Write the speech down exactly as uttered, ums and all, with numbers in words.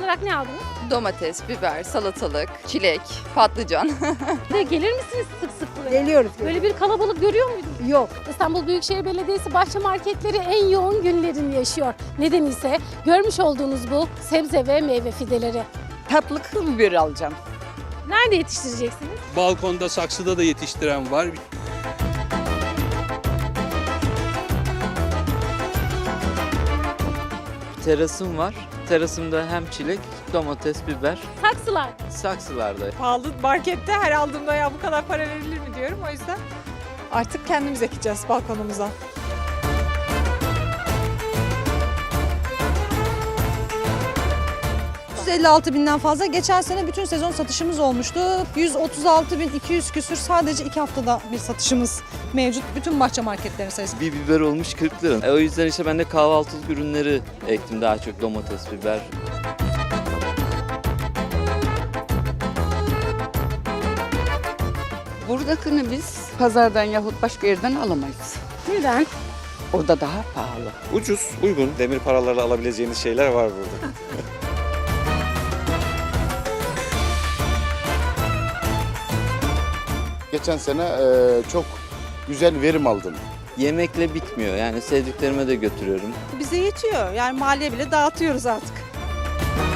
olarak ne aldınız? Domates, biber, salatalık, çilek, patlıcan. Ve gelir misiniz sık sık buraya? Geliyoruz. Böyle bir kalabalık görüyor muydunuz? Yok. İstanbul Büyükşehir Belediyesi bahçe marketleri en yoğun günlerini yaşıyor. Neden ise görmüş olduğunuz bu sebze ve meyve fideleri. Tatlı kıl biberi alacağım. Nerede yetiştireceksiniz? Balkonda, saksıda da yetiştiren var. Terasım var. Terasımda hem çilek, domates, biber, Saksılar. saksılarda. Pahalı markette her aldığımda ya bu kadar para verilir mi diyorum. O yüzden artık kendimiz ekeceğiz balkonumuza. yüz elli altı binden fazla. Geçen sene bütün sezon satışımız olmuştu. yüz otuz altı bin iki yüz küsür sadece iki haftada bir satışımız mevcut. Bütün bahçe marketlerin sayısı. Bir biber olmuş kırk lira. E, o yüzden işte ben de kahvaltılık ürünleri ektim, daha çok domates, biber. Buradakini biz pazardan yahut başka yerden alamayız. Neden? Orada daha pahalı. Ucuz, uygun, demir paralarla alabileceğiniz şeyler var burada. Geçen sene e, çok güzel verim aldım. Yemekle bitmiyor, yani sevdiklerime de götürüyorum. Bize yetiyor. Yani mahalleye bile dağıtıyoruz artık.